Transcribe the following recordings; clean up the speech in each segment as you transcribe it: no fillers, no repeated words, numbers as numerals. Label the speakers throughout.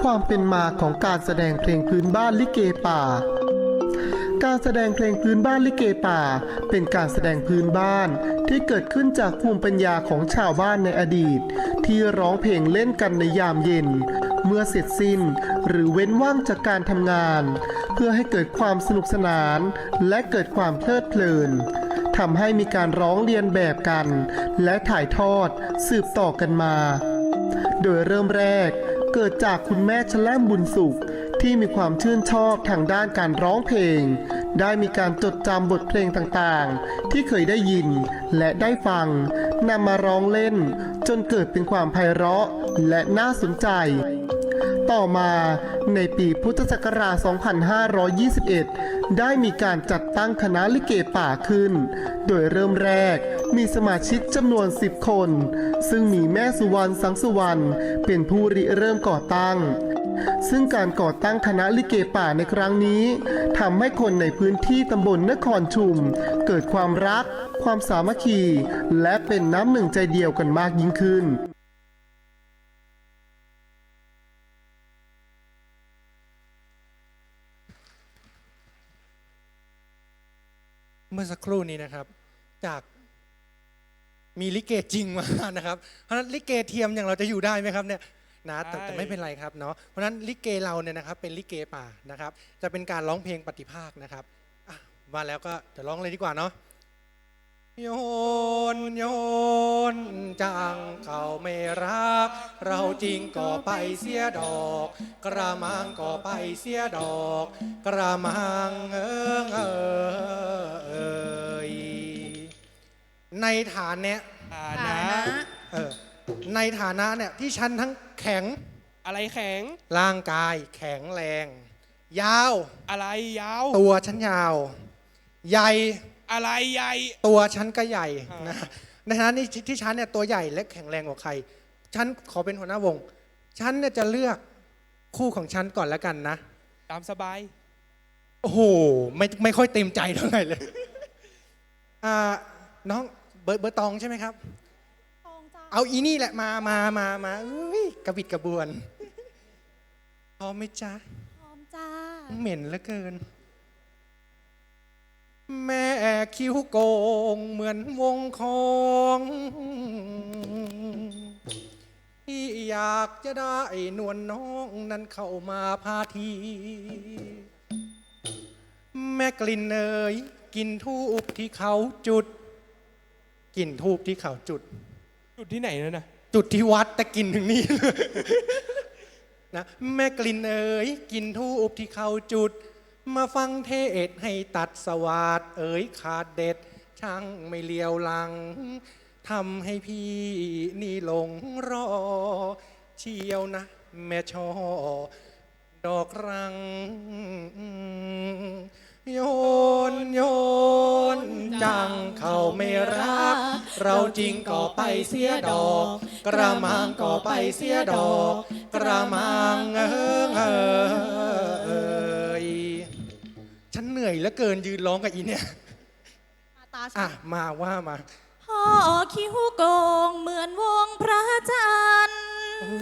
Speaker 1: ความเป็นมาของการแสดงเพลงพื้นบ้านลิเกป่าการแสดงเพลงพื้นบ้านลิเกป่าเป็นการแสดงพื้นบ้านที่เกิดขึ้นจากภูมิปัญญาของชาวบ้านในอดีตที่ร้องเพลงเล่นกันในยามเย็นเมื่อเสร็จสิ้นหรือเว้นว่างจากการทำงานเพื่อให้เกิดความสนุกสนานและเกิดความเพลิดเพลินทำให้มีการร้องเรียนแบบกันและถ่ายทอดสืบต่อกันมาโดยเริ่มแรกเกิดจากคุณแม่ชแล่มบุญสุขที่มีความชื่นชอบทางด้านการร้องเพลงได้มีการจดจำบทเพลงต่างๆที่เคยได้ยินและได้ฟังนำมาร้องเล่นจนเกิดเป็นความไพเราะและน่าสนใจต่อมาในปีพุทธศักราช 2521 ได้มีการจัดตั้งคณะลิเกป่าขึ้นโดยเริ่มแรกมีสมาชิกจำนวน10 คนซึ่งมีแม่สุวรรณสังสุวรรณเป็นผู้ริเริ่มก่อตั้งซึ่งการก่อตั้งคณะลิเกป่าในครั้งนี้ทำให้คนในพื้นที่ตำบลนครชุมเกิดความรักความสามัคคีและเป็นน้ำหนึ่งใจเดียวกันมากยิ่งขึ้น
Speaker 2: เมื่อสักครู่นี้นะครับจากมีลิเกจริงมานะครับเพราะฉะนั้นลิเกเทียมอย่างเราจะอยู่ได้ไหมครับเนี่ยนะแต่ไม่เป็นไรครับเนาะเพราะฉะนั้นลิเกเราเนี่ยนะครับเป็นลิเกป่านะครับจะเป็นการร้องเพลงปฏิภาคนะครับมาแล้วก็จะร้องเลยดีกว่าเนาะโยนโยนจังเขาไม่รักเราจริงก็ไปเสียดอกกระมังก็ไปเสียดอกกระมังในฐานะในฐานะเนี่ยที่ฉันทั้งแข็ง
Speaker 3: อะไรแข็ง
Speaker 2: ร่างกายแข็งแรงยาว
Speaker 3: อะไรยาว
Speaker 2: ตัวฉันยาวใหญ่
Speaker 3: อะไรใหญ่
Speaker 2: ตัวฉันก็ใหญ่นะในฐานะที่ฉันเนี่ยตัวใหญ่และแข็งแรงกว่าใครฉันขอเป็นหัวหน้าวงฉันเนี่ยจะเลือกคู่ของฉันก่อนแล้วกันนะ
Speaker 3: ตามสบาย
Speaker 2: โอ้โหไม่ค่อยเต็มใจเท่าไหร่เลยน้องเบอร์ตองใช่ไหมครับเอาอีนี่แหละมากระบิดกระบวนพร้อมไหมจ๊ะ
Speaker 4: พร้อมจ้า
Speaker 2: เหม็นเหลือเกินแม่คิ้วโกงเหมือนวงของที่อยากจะได้นวลน้องนั้นเข้ามาพาทีแม่กลิ่นเนยกินทูบที่เขาจุดกินทูบที่เขาจุด
Speaker 3: ที่ไหนนะ
Speaker 2: จุดที่วัดแต่กินถึงนี่นะแม่กลิ่นเอ๋ยกินทูบที่เขาจุดมาฟังเทศให้ตัดสวาดเอ๋ยขาดเด็ดช่างไม่เลียวหลังทำให้พี่นี่หลงรอเชียวนะแม่ช่อดอกรังโยนจังเขาไม่รักเราจริงก็ไปเสียดอกกระมังก็ไปเสียดอกกระมังฉันเหนื่อยเหลือเกินยืนร้องกับอีเนี่ยมาว่ามา
Speaker 4: พ่อคิ้วโกงเหมือนวงพระจันทร์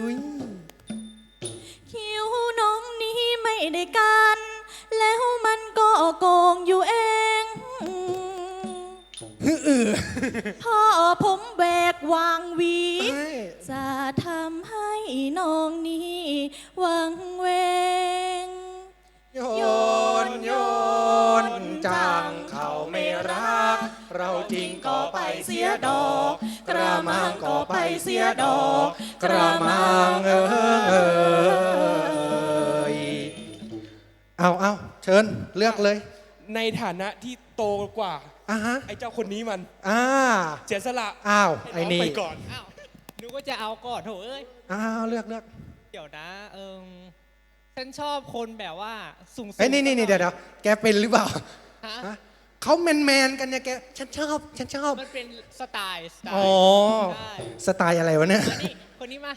Speaker 4: คิ้วน้องนี้ไม่ได้กันแล้วมันก็โกงอยู่เองพ่อผมแบกวางวีจะทำให้น้องนี้วังเวง
Speaker 2: โยนจังเขาไม่รักเราจริงก็ไปเสียดอกกระมังก็ไปเสียดอกกระมังเอาเชิญเลือกเลย
Speaker 3: ในฐานะที่โตกว่าไอ้เจ้าคนนี้มันเสียสละ
Speaker 2: ไอ้นี่
Speaker 3: ไปก่อนนึกว่าจะเอาก่อนโถเอ้ย
Speaker 2: เลือก
Speaker 5: เดี๋ยวนะฉันชอบคนแบบว่าสูง
Speaker 2: นี่เดี๋ยวแกเป็นหรือเปล่าเขาแมนกันเนี่ยแกฉันชอบ
Speaker 5: มันเป็นสไตล์
Speaker 2: สไตล์อะไรวะเนี่ย
Speaker 5: คนนี้มา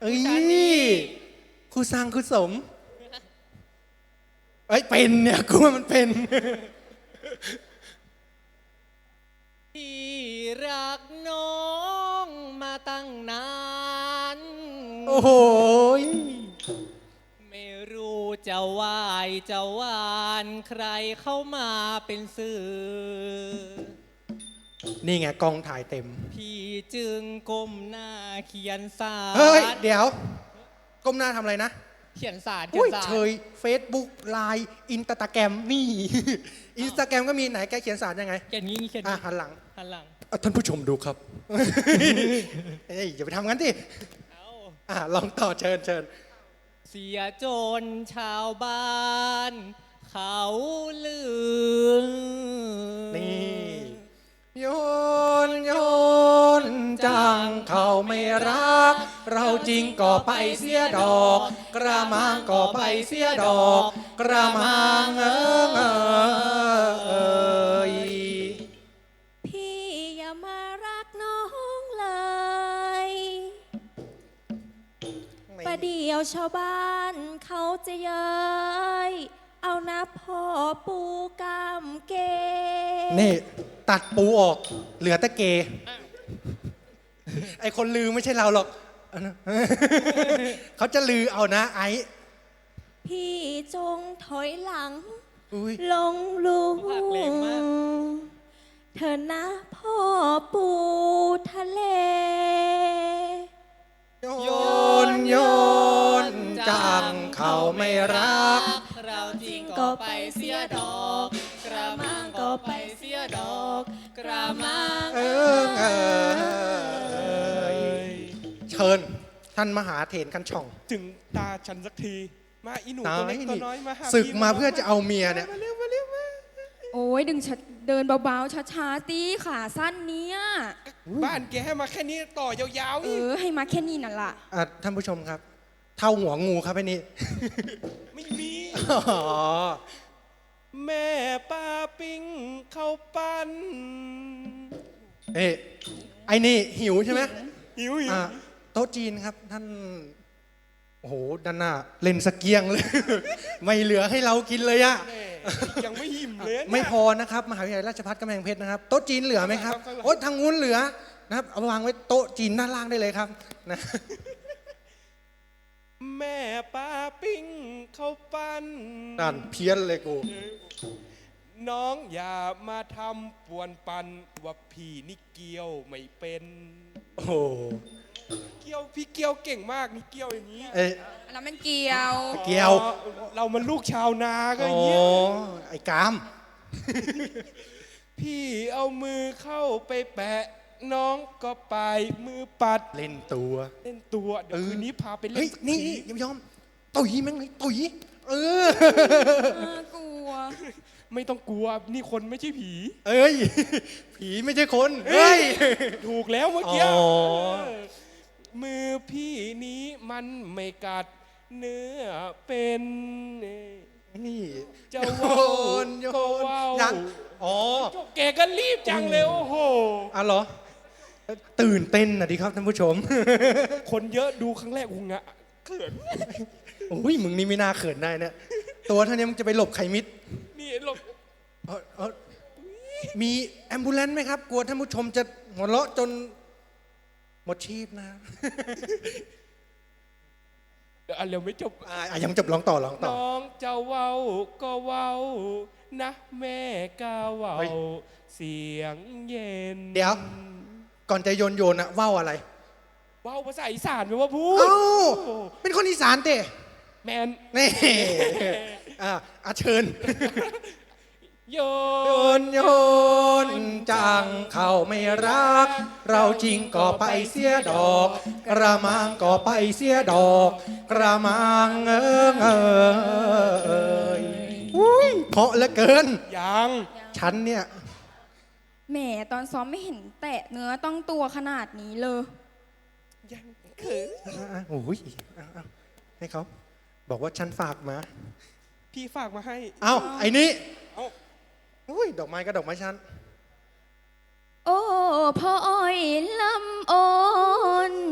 Speaker 2: ครูสร้างครูสมเป็นเนี่ยกูว่ามันเป็น
Speaker 5: ที่รักน้องมาตั้งนาน
Speaker 2: โอ้โห
Speaker 5: จะวายจะหวานใครเข้ามาเป็นสื่อ
Speaker 2: นี่ไงกองถ่ายเต็ม
Speaker 5: พี่จึงก้มหน้าเขียนสาร
Speaker 2: เฮ้ย เดี๋ยว ก้มหน้าทำอะไรนะ
Speaker 5: เขียนสาร
Speaker 2: อุ้ย
Speaker 5: สาร
Speaker 2: เฉย Facebook ไลน์อินสตาแกรมนี่ อินสตาแกรมก็มีไหนแกเขียนสารยังไง
Speaker 5: เขียนงี้เขียน
Speaker 2: อ่ะ
Speaker 5: งี้
Speaker 2: หันหลัง
Speaker 5: หันหลัง
Speaker 2: ท่านผู้ชมดูครับ เอ้ยอย่าไปทำงั้นดิ
Speaker 5: เอา
Speaker 2: ลองต่อเชิญเชิญ
Speaker 5: เสียจนชาวบ้าน เขาลือ
Speaker 2: นี่โยนโยนจังเขาไม่รัก เราจริงก็ไปเสียดอก กระมังก็ไปเสียดอก กระมังย
Speaker 4: พี่อย่ามารักน้องเลย ประเดี๋ยวชาวบ้านเขาจะเย้ยเอานะพ่อปูกามเก
Speaker 2: นี่ ตัดปูออก เหลือแต่เก ไอคนลือไม่ใช่เราหรอก เขาจะลือเอานะไอ้
Speaker 4: พี่จงถอยหลัง
Speaker 2: อุ๊ย
Speaker 4: ลงลุง
Speaker 5: ภาคแรงมาก
Speaker 4: เธอนะพ่อปูทะเล
Speaker 2: โยนโยนจังเขาไม่รัก
Speaker 5: เราจริงก็ไปเสียดอก กระมังก็ไปเสียดอก กระมัง
Speaker 2: เชิญ ท่านมหาเถรคันช่อง
Speaker 3: ถึงตาฉันสักที มาอีหนูตัวเล็กตัวน้อยมาหา
Speaker 2: ศึก
Speaker 3: พี่
Speaker 2: มาเพื่อจะเอาเมียเนี่ย
Speaker 3: มาเร็วมาเร็วมา
Speaker 6: โอ้ยเดินเบาๆช้าๆตีขาสั้นเนี้ย
Speaker 3: บ้านแกให้มาแค่นี้ต่อยาวๆอีก
Speaker 6: ให้มาแค่นี้นั่นล่ะ
Speaker 2: ท่านผู้ชมครับ เท่าหัวงูครับไอ้นี่
Speaker 3: ไม่มี
Speaker 2: อ๋อ
Speaker 3: แม่ป้าปิ้งข้าวปั้น
Speaker 2: เอ้ยไอ้นี่หิวใช่ไหม
Speaker 3: หิว
Speaker 2: โต๊ะจีนครับ ท่าน โอ้โห ด้านหน้า เล่นสเกียงเลย ไม่เหลือให้เรากินเลยอะ
Speaker 3: แม่ยังไม่หิมเลยเนี่ย
Speaker 2: ไม่พอนะครับ มหาวิทยาลัยราชภัฏกำแพงเพชรนะครับ โต๊ะจีนเหลือไหมครับ
Speaker 3: ข้างหลัง
Speaker 2: โอ๊ยทางนู้นเหลือนะครับ เอาวางไว้โต๊ะจีนด้านล่างได้เลยครับนะ
Speaker 3: แม่ป้าปิ้งข้าวปั้น
Speaker 2: นั่นเพี้ยนเลยกู
Speaker 3: น้องอย่ามาทำป่วนปันว่าพี่นี่เกี้ยวไม่เป็น
Speaker 2: โอ้โห
Speaker 3: เกี้ยวพี่เกี้ยวเก่งมากนี่เกี้ยวอย่างนี้
Speaker 2: เอ้ย
Speaker 6: แล้วมันเกี่ยว
Speaker 2: เกี่ยว
Speaker 3: อ๋อเรามันลูกชาวนาก็
Speaker 2: โอ้
Speaker 3: อย่างนี้ย
Speaker 2: ไอ้กาม
Speaker 3: พี่เอามือเข้าไปแปะ น้องก็ไปมือปัด
Speaker 2: เล่นตัว
Speaker 3: เล่นตัวเดี๋ยวคืนนี้พาไปเล่
Speaker 2: เฮ้ย
Speaker 3: นสัก
Speaker 2: นี่
Speaker 3: ที
Speaker 2: อย่ายอมตุ๋ยแม่งเลยตุ๋ยเออ
Speaker 6: กลัว
Speaker 3: ไม่ต้องกลัวนี่คนไม่ใช่ผี
Speaker 2: เอ้ย ผีไม่ใช่คน เฮ้ย
Speaker 3: ถูกแล้วเมื่อกี้
Speaker 2: อ๋อ
Speaker 3: มือพี่นี้มันไม่กัดเนื้อเป็น
Speaker 2: นี่
Speaker 3: จะ
Speaker 2: โย
Speaker 3: ว่าน
Speaker 2: โย
Speaker 3: ก็
Speaker 2: น
Speaker 3: ว่าว
Speaker 2: ยังอ๋อ
Speaker 3: แกก็รีบจังเลยโอ้โห
Speaker 2: อ่ะเหรอ ตื่นเต้นนะดิครับท่านผู้ชม
Speaker 3: คนเยอะดูครั้งแรกกูงะเขิน
Speaker 2: โอ้ยมึงนี่ไม่น่าเขินได้เนี่ย ตัวเท่านี้มึงจะไปหลบใครมิด
Speaker 3: นี่หลบ
Speaker 2: มีแอมบูเลนซ์ไหมครับ กลัวท่านผู้ชมจะหัวเราะจนหมดชีพนะ
Speaker 3: เดี๋ยวอันเร็วไม่จบ
Speaker 2: ยังจบร้องต่อร้องต่อ
Speaker 3: น้องจะเว้าก็เว้านะแม่ก็เว้า
Speaker 2: เฮ้ย
Speaker 3: เสียงเย็น
Speaker 2: เดี๋ยว ก่อนจะโยนอะว่าวอะไร
Speaker 3: เว้าภาษาอีสานไหมว่าพูด
Speaker 2: เอ้า เป็นคนอีสานเต้
Speaker 3: แมน
Speaker 2: นี่ เชิญ
Speaker 3: โย
Speaker 2: โยนโยนจังเขาไม่รัก เราจริงก็ไปเสียดอก กระมังก็ไปเสียดอก กระมังอุ้ยเพราะเหลือเกิน
Speaker 3: ยัง
Speaker 2: ฉันเนี่ย
Speaker 6: แหมตอนซ้อมไม่เห็นแตะเนื้อต้องตัวขนาดนี้เลย
Speaker 3: ยังเขิน
Speaker 2: โอ้ยให้เขาบอกว่าฉันฝากมา
Speaker 3: พี่ฝากมาให้
Speaker 2: เอ้า ไอ้นี่
Speaker 3: เอ้า
Speaker 2: อุ้ย ดอกไม้ก็ดอกไม้ฉัน
Speaker 6: โอ้พ่ออ้อยลำอ่อน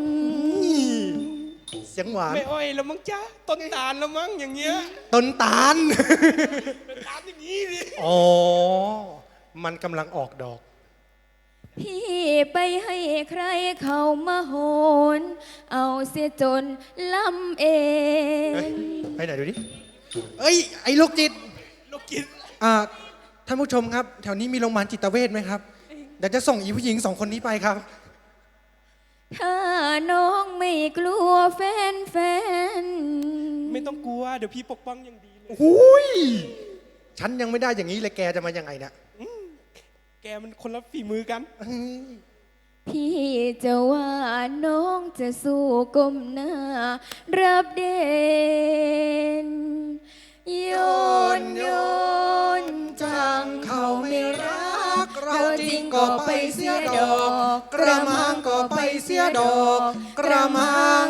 Speaker 2: เสียงหวาน
Speaker 3: ไม่อ้อยแล้วมั้งจ๊ะต้นตาลแล้วมั้งอย่างเงี้ย
Speaker 2: ต้นตาล
Speaker 3: เป็นตาลอย่างนี้ดิ
Speaker 2: อ๋อ มันกำลังออกดอก
Speaker 6: พี่ไปให้ใครเขามาโหน เอาเสียจนลำเอ
Speaker 2: เฮ้ย
Speaker 6: ง
Speaker 2: ไปไหนดูดิเอ้ย ไอ้โรคจิต
Speaker 3: โรคจิต
Speaker 2: ท่านผู้ชมครับ แถวนี้มีโรงพยาบาลจิตเวชไหมครับ เดี๋ยวจะส่งอีผู้หญิง2 คนนี้ไปครับ
Speaker 6: ถ้าน้องไม่กลัวแฟน
Speaker 3: ไม่ต้องกลัว เดี๋ยวพี่ปกป้องอย่างดีเลย
Speaker 2: หุยฉันยังไม่ได้อย่างนี้เลยแกจะมายังไงเนี่ย
Speaker 3: แกมันคนละฝีมือกัน
Speaker 6: พี่จะว่าน้องจะสู้ก้มหน้า รับเด่นโยนจังเขาไม่รัก เราจริงก็ไปเสียดอก
Speaker 2: กระมังก็ไปเสียดอก กระมัง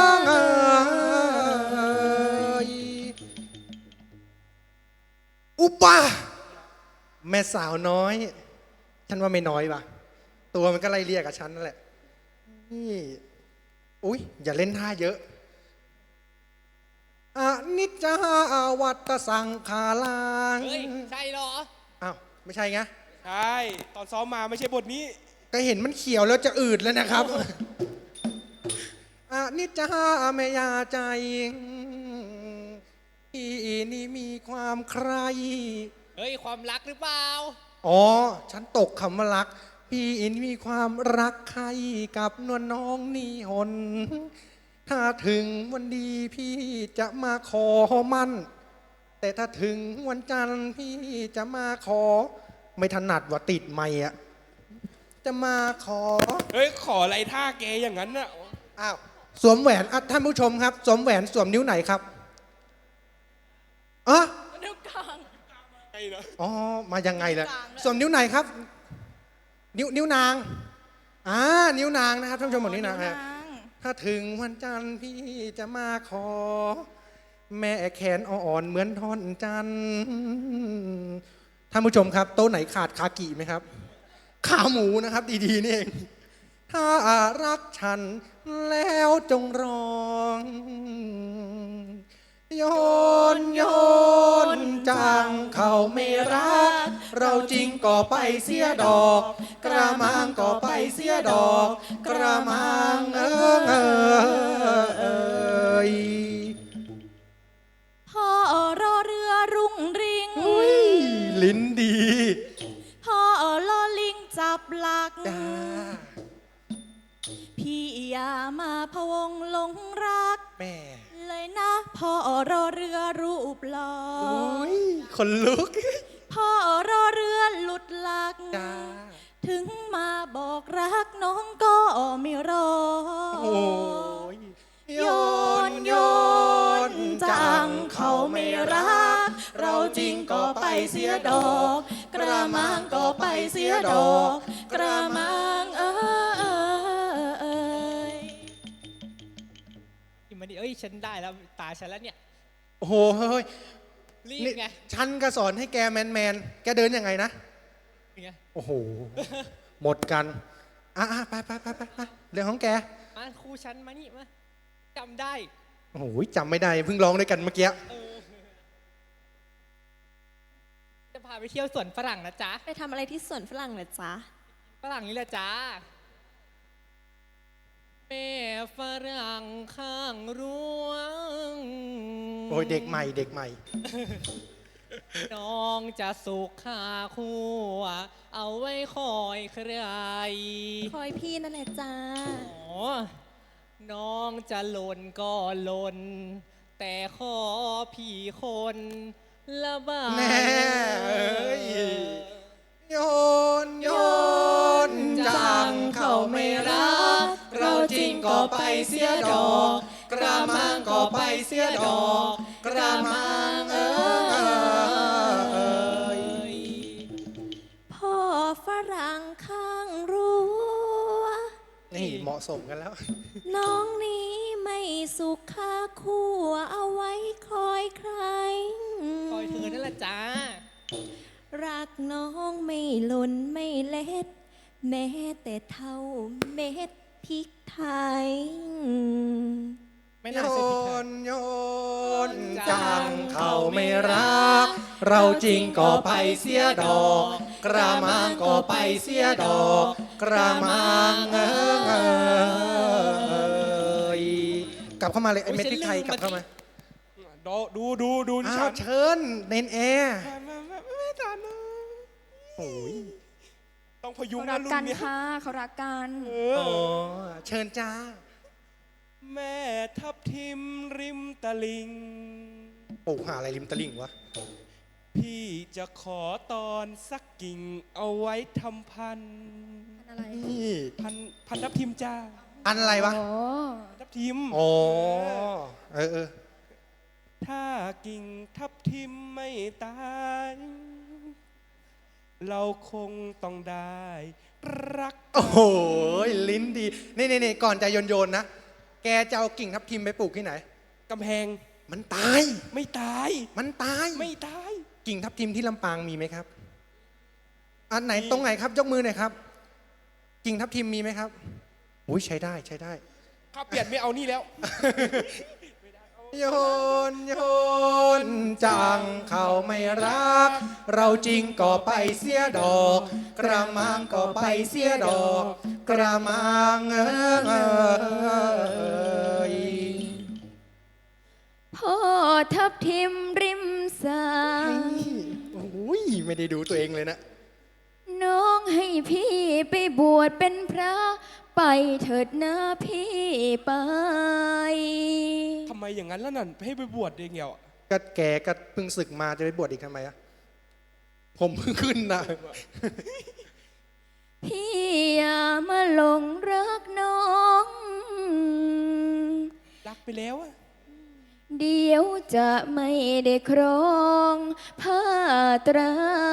Speaker 2: อุปะแม่สาวน้อย ฉันว่าไม่น้อยป่ะ ตัวมันก็ไล่เรียกกับฉันนั่นแหละนี่อุ๊ย อย่าเล่นท่าเยอะอนิจจาวัตสังขารัง
Speaker 5: เฮ้ย ใช่เหรอ
Speaker 2: อ้าว ไม่ใช่ไง
Speaker 3: ใช่ ตอนซ้อมมาไม่ใช่บทนี้
Speaker 2: ก็เห็นมันเขียวแล้วจะอืดแล้วนะครับอนิจจาเมยาใจพี่นี่มีความใคร
Speaker 5: เฮ้ย ความรักหรือเปล่า
Speaker 2: อ๋อ ฉันตกคำว่ารัก พี่อินมีความรักใครกับนวลน้องนี่หน ถ้าถึงวันดีพี่จะมาขอมั่น แต่ถ้าถึงวันจันทร์พี่จะมาขอ ไม่ถนัดว่าติดไม่อะจะมาขอ
Speaker 3: เฮ้ย ขออะไรท่าแกอย่างนั้นน่ะ
Speaker 2: อ้าว สวมแหวนอ่ะท่านผู้ชมครับ สวมแหวนสวมนิ้วไหนครับอ๋อ
Speaker 4: นิ้วกลาง
Speaker 3: ไงนะ
Speaker 2: อ๋อ มายังไงล่ะ
Speaker 4: นิ้วกลางด้วย
Speaker 2: สวมนิ้วไหนครับ นิ้วนางนิ้วนางนะครับท่านผู้ชมบอกนิ้วนางฮะถ้าถึงวันจันทร์พี่จะมาขอ แม่แขนอ่อนๆเหมือนท่อนจันทร์ท่านผู้ชมครับโต๊ะไหนขาดคากิไหมครับ ขาหมูนะครับ ดีๆนี่เอง ถ้ารักฉันแล้วจงร้องโยนจังเขาไม่รัก เราจริงก็ไปเสียดอก กระมังก็ไปเสียดอก กระมังย
Speaker 4: พ่อรอเรือรุ่งริง
Speaker 2: ลิ้นดี
Speaker 4: พ่อลอลิงจับหลัก
Speaker 2: จ้า
Speaker 4: พี่อย่ามาพะวงหลงรัก
Speaker 2: แม่
Speaker 4: เลยนะพ่อรอเรือรูปหล่อ
Speaker 2: อุ้ยคนลุก
Speaker 4: พ่อรอเรือหลุดหลัก
Speaker 2: จ้า
Speaker 4: ถึงมาบอกรักน้องก็ไม่รอ
Speaker 2: โอ้ย
Speaker 4: โยนจังเขาไม่รัก เราจริงก็ไปเสียดอก กระมังก็ไปเสียดอก กระมัง
Speaker 5: อีมันนี่เอ้ย ฉันได้แล้ว ตาฉันแล้วเนี่ย
Speaker 2: โอ้โหเฮ้ย
Speaker 5: รีบ
Speaker 2: นี่
Speaker 5: ไง
Speaker 2: ฉันก็สอนให้แกแมนแกเดินยังไงนะ
Speaker 5: ไง
Speaker 2: โอ้โห หมดกัน ไปเรื่องของแก
Speaker 5: มาครูฉันมานี่มาจำได้
Speaker 2: โอ้โหจำไม่ได้เพิ่งร้องด้วยกันเมื่อกี้
Speaker 5: จะพาไปเที่ยวสวนฝรั่งนะจ๊ะ
Speaker 4: ไปทำอะไรที่สวนฝรั่งเหรอจ๊ะ
Speaker 5: ฝรั่งนี่แหละจ้าแม่ฝรั่งข้างรั้ว
Speaker 2: โอ้ยเด็กใหม่
Speaker 5: น้องจะสุขขาคู่เอาไว้คอยใคร
Speaker 4: คอยพี่นั่นแหละจ้า
Speaker 5: อ๋อน้องจะหล่นก็หล่นแต่ขอพี่คนละบา
Speaker 2: แน่เอ้ย โยนจังเขาไม่รัก เราจริงก็ไปเสียดอก กระมังก็ไปเสียดอก กระมัง
Speaker 4: พ่อฝรั่งข้างรั้ว
Speaker 2: นี่เหมาะสมกันแล้ว
Speaker 4: น้องนี้ไม่สุขค่าคู่เอาไว้คอยใคร
Speaker 5: คอยเธอนั่นแหละจ้า
Speaker 4: รักน้องไม่หล่นไม่เล็ด แม้แต่เท่าเม็ดพริกไทย
Speaker 5: ไม่น่าใช่ผิดค่ะ
Speaker 2: โยนจังเขาไม่รัก เราจริงก็ไปเสียดอก กระมังก็ไปเสียดอก กระมังกลับเข้ามาเลยไอ้เม็ดพริกไทยกลับเข้ามา
Speaker 3: ดูที่
Speaker 2: อ้า
Speaker 3: ฉั
Speaker 2: วน เชิญเนนแอร์
Speaker 3: ไม่ทันนะ
Speaker 2: โอ้ย
Speaker 3: ต้องพยุง
Speaker 6: เขา
Speaker 3: นะ
Speaker 6: รัก
Speaker 3: รุ่
Speaker 6: กัน
Speaker 3: นเนี้ย
Speaker 6: ค่ะเขารักกัน
Speaker 3: เอ
Speaker 2: โอ้
Speaker 3: อ
Speaker 2: เชิญจ้า
Speaker 3: แม่ทับทิมริมตะลิง
Speaker 2: ปลูกหาอะไรริมตลิ่งวะ
Speaker 3: พี่จะขอตอนสักกิ่งเอาไว้ทำพันธุ์
Speaker 6: อะไร
Speaker 2: นี่
Speaker 3: พันทับทิมจ้า
Speaker 2: อันอะไรวะ
Speaker 6: โอ้
Speaker 3: ทับทิม
Speaker 2: อ๋อเออ
Speaker 3: ถ้ากิ่งทับทิมไม่ตาย เราคงต้องได้รัก
Speaker 2: โอ้โหลิ้นดี นี่ก่อนจะโยนนะ แกจะเอากิ่งทับทิมไปปลูกที่ไหน
Speaker 3: กำแพง
Speaker 2: มันตาย
Speaker 3: ไม่ตาย
Speaker 2: มันตาย
Speaker 3: ไม่ตาย
Speaker 2: กิ่งทับทิมที่ลำปางมีไหมครับ อันไหน
Speaker 3: มี
Speaker 2: ตรงไหนครับ ยกมือหน่อยครับ กิ่งทับทิมมีไหมครับอุ้ยใช้ได้
Speaker 3: ข้าเปลี่ยนไม่เอานี่แล้ว
Speaker 2: โยนจังเขาไม่รัก เราจริงก็ไปเสียดอก กระมังก็ไปเสียดอก กระมังย
Speaker 6: พ่อทับทิมริมสาย
Speaker 2: โอ้ยไม่ได้ดูตัวเองเลยนะ
Speaker 6: น้องให้พี่ไปบวชเป็นพระ ไปเถิดนะพี่ไป
Speaker 3: ทำไมอย่างนั้นแล้วนั่นให้ไปบวชเองเหรอ
Speaker 2: ก็แกก็เพิ่งศึกมาจะไปบวชอีกทำไมอะผมเพิ่งขึ้นนะ
Speaker 6: พี่อย่ามาหลงรักน้อง
Speaker 3: รักไปแล้วอะ
Speaker 6: เดี๋ยวจะไม่ได้ครองผ้าไตร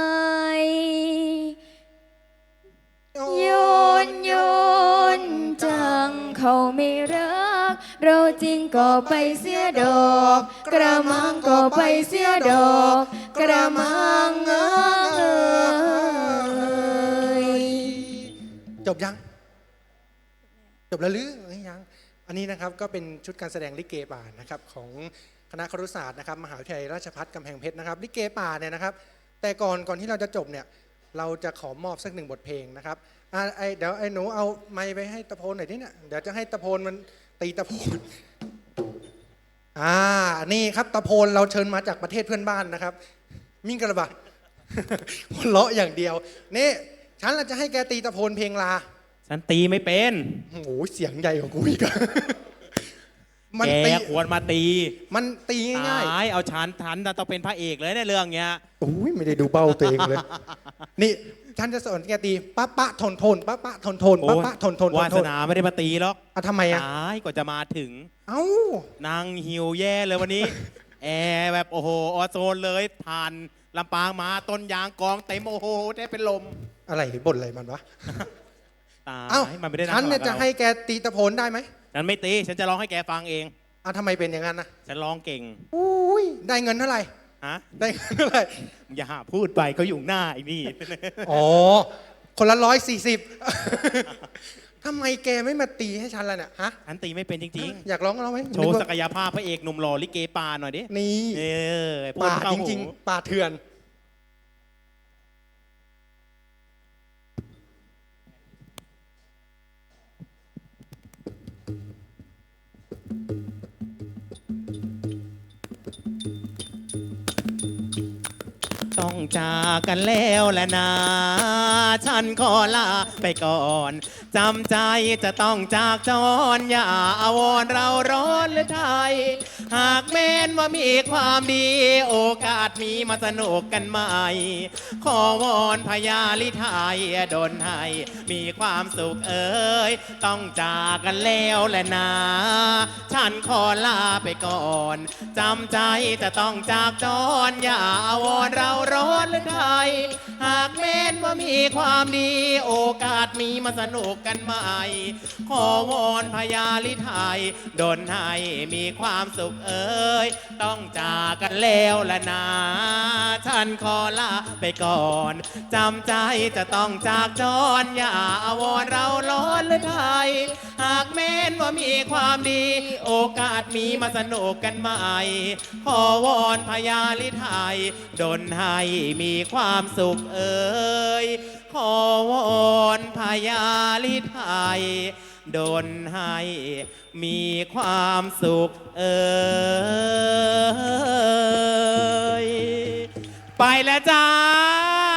Speaker 6: โยนจังเขาไม่รัก เราจริงก็ไปเสียดอก กระมังก็ไปเสียดอก กระมัง
Speaker 2: จบยัง จบแล้วหรือยัง อันนี้นะครับก็เป็นชุดการแสดงลิเกป่านะครับของคณะครุศาสตร์นะครับมหาวิทยาลัยราชภัฏกำแพงเพชรนะครับลิเกป่าเนี่ยนะครับ แต่ก่อนที่เราจะจบเนี่ยเราจะขอมอบสักหนึ่งบทเพลงนะครับเดี๋ยวไอ้หนูเอาไมค์ไปให้ตะโพนหน่อยดิเนี่ยเดี๋ยวจะให้ตะโพนมันตีตะโพนนี่ครับตะโพนเราเชิญมาจากประเทศเพื่อนบ้านนะครับมิ่งกระบะ หัวเราะอย่างเดียวนี่ฉันเราจะให้แกตีตะโพนเพลงลา
Speaker 7: ฉันตีไม่เป็น
Speaker 2: โอ้โหเสียงใหญ่กว่ากูอีกอะ
Speaker 7: แกควรมาตี
Speaker 2: มันตีง่าย
Speaker 7: ตายเอาฉันต้องเป็นพระเอกเลยในเรื่องเนี้ย
Speaker 2: ๆโอ้ยไม่ได้ดูเบ้าตัวเองเลย นี่ฉันจะสอนแกตีปะปะทนทนปะปะทนทนปะปะทนทน
Speaker 7: วาสนาไม่ได้มาตีหรอก
Speaker 2: ทำไมอะ
Speaker 7: ตายกว่าจะมาถึง
Speaker 2: เอ้า
Speaker 7: นางหิวแย่เลยวันนี้ แอร์แบบโอ้โหออโซนเลยผ่านลำปางมาต้นยางกองเต็มโอ้โหได้เป็นลม
Speaker 2: อะไรบ่นอะไรมันวะ
Speaker 7: ตาย
Speaker 2: เอ้า
Speaker 7: มันไม่ได้
Speaker 2: ฉันเนี่ย
Speaker 7: ง
Speaker 2: จะให้แกตีตะโพนได้ไหม
Speaker 7: ฉันไม่ตีฉันจะร้องให้แกฟังเอง
Speaker 2: ทำไมเป็นอย่างนั้นนะ
Speaker 7: ฉันร้องเก่ง
Speaker 2: อุ้ยได้เงินเท่าไหร่
Speaker 7: ฮะ
Speaker 2: ได้เงินเท่าไหร่
Speaker 7: อย่าพูดไปเขาอยู่หน้าไอ้นี่
Speaker 2: อ๋อคนละ140 ทำไมแกไม่มาตีให้ฉันล่ะเนี่ยฮะ
Speaker 7: ฉันตีไม่เป็นจริง
Speaker 2: อยากร้องไหม
Speaker 7: ๆ โชว์ศักยภาพพระเอกหนุ่มหล่อลิเกป่าหน่อยดิ
Speaker 2: นี่
Speaker 7: พูด
Speaker 2: ป่า
Speaker 7: เข้
Speaker 2: จ
Speaker 7: หู
Speaker 2: ริงๆป่าเถื่อน
Speaker 7: ต้องจากกันแล้วแหละนะ ฉันขอลาไปก่อน จำใจจะต้องจากจร อย่าอาวรณ์เราร้อนหรือไทย หากแม้นว่ามีความดี โอกาสมีมาสนุกกันใหม่ ขอวอนพญาลิไทยดลให้มีความสุขเอ่ยต้องจากกันแล้วแหละนะ ฉันขอลาไปก่อน จำใจจะต้องจากจร อย่าอาวรณ์เราร้อนหรือไทย หากแม้นว่ามีความดี โอกาสมีมาสนุกกันใหม่ ขอวอนพญาลิไทยดลให้มีความสุขเอ่ยต้องจากกันแล้วละนะฉันขอลาไปก่อน จำใจจะต้องจากจร อย่าอาวรณ์เราร้อนหรือไทย หากแม้นว่ามีความดี โอกาสมีมาสนุกกันใหม่ ขอวอนพญาลิไทยดลให้มีความสุขเอ่ยขอวอนพญาลิไทยดลให้มีความสุขไปแล้วจ้า